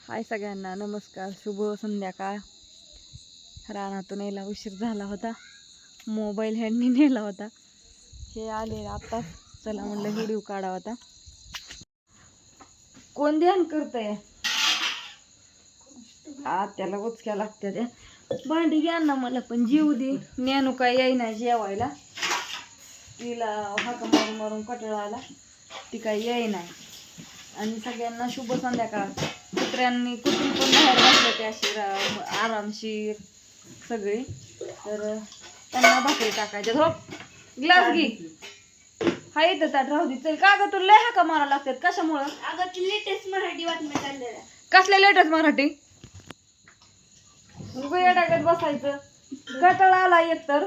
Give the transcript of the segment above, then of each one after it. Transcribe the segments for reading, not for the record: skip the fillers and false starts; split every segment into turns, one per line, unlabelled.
हाय सगळ्यांना नमस्कार, शुभ संध्याकाळ. रानातून यायला उशीर झाला होता, मोबाईल हँडनी नेला होता. हे आले आत्ताच, चला म्हणलं व्हिडिओ काढा होता. कोण ध्यान करतंय? त्याला उचक्या लागत्या त्या. भांडी घ्या ना, मला पण जीव दे. ज्ञानू काय येईना जेवायला, तिला हाका मारून मारून कटाळा आला, ती काय येईना. आणि सगळ्यांना शुभ संध्याकाळ. कुत्र्यांनी कुठून पण बाहेर बसले ते अशी आरामशीर सगळे, तर त्यांना भाकरी टाकायच्या. झोप, ग्लास घे. हा येतं ताट राहू दे. चल का ग, तुला लय हाका मारा लागतात कशामुळं?
अगं ती लेटेस्ट मराठी बातम्या चाललेल्या.
कसल्या लेटेस्ट मराठी? रुपया टाकत बसायचं, कटाळा आला एक तर.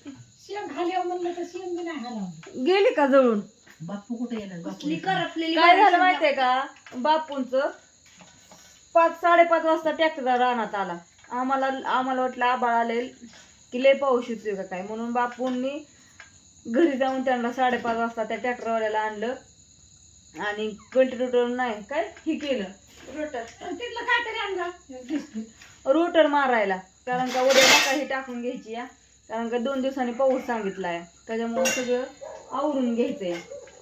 गेली का जळून?
बापू कुठे येणार?
कसली करपलेली
काय झालं
बाई
माहितीये का, बापूंचं 5-5:30 वाजता ट्रॅक्टर रानात आला. आम्हाला वाटलं आबाळ आले की लय पाऊस येतोय का काय, म्हणून बापूंनी घरी जाऊन त्यांना 5:30 वाजता त्या ट्रॅक्टरवाल्याला आणलं आणि कल्टिवेटर नाही काय हे केलं, रोटर मारायला. कारण का उद्या मका ही टाकून घ्यायची या, कारण का 2 दिवसांनी पाऊस सांगितलाय, त्याच्यामुळे सगळं आवरून घ्यायचंय.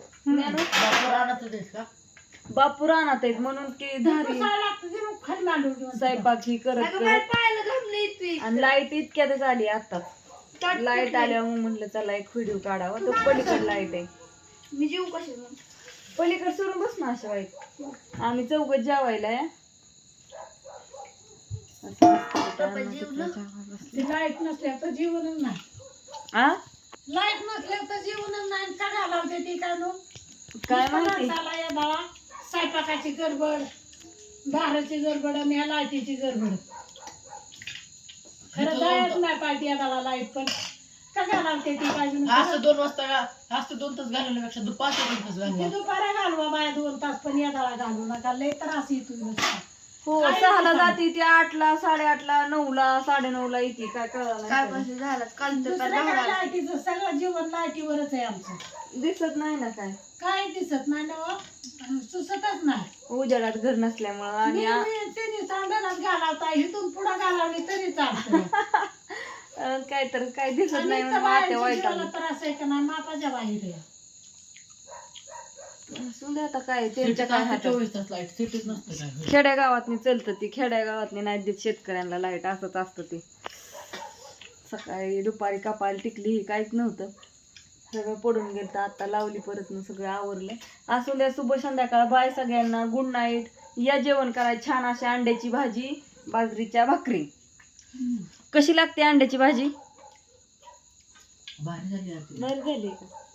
बापू रानात आहेत म्हणून की धारी स्वयंपाक ही करत
पाहायला घाबलं येते.
आणि लाईट इतक्यातच आली आताच. लाईट आल्यावर म्हणलं चला एक व्हिडिओ काढावा. तो पलीकडे लाईट आहे,
मी जीव कशी मग
पलीकडे सोडून बस ना अशा वाईट. आम्ही चौघच जेवायला आहे.
लाईट नसल्या तर जीवनच नाही. लाईट नसल्या तर जीवनच नाही. का घालावते ती
काय माहिती
स्वयंपाकाची गडबड, दाराची गडबड आणि ह्या लाईटीची गडबड. खरं जायच नाही पाहिजे याला लाईट, पण का घालावते ती पाहिजे.
असं 2 वाजता असं 2 तास घालवण्यापेक्षा दुपारचे 2 तास घालवा.
दुपारा घालवा बाया 2 तास, पण याला घालू नका. लय त्रास येतो.
हो, 6ला जाते ती, 8ला, 8:30ला, 9ला, 9:30ला येते. काय कळलं
काय
नाही,
पासून झालं काल तर
दुसऱ्या लाईटीचं सगळं जीवन लाईटीवरच आहे आमचं.
दिसत नाही ना काय,
काय दिसत नाही ना, सुचतच नाही.
उजेडात घर नसल्यामुळं. आणि
तिने चांदणात घालावता, इथून पुढे घालावली तरी चालतं.
काय तर काय दिसत नाही म्हणून
बाहेरच्या
आत्या वाईट
जीवाला त्रास आहे का नाही, मापाच्या बाहेर आहे.
सुद्धा आता काय त्यांच्या काय हातात.
24 तास लाईट सिटीच नसतं काय.
खेड्यागावातनी चलतं ती, खेड्यागावातनी नाही देत शेतकऱ्यांना लाईट. असंच असतं ते. सकाळी दुपारी कपाल टिकली ही काहीच नव्हतं, सगळं पडून गेलं. आता लावली परत न सगळं आवरलं. असू द्या, शुभ संध्याकाळ. बाय सगळ्यांना, गुड नाईट. या जेवण करायचं छान अशी अंड्याची भाजी, बाजरीच्या भाकरी. कशी लागते अंड्याची भाजी?
भारी झाली
बरं झाली का?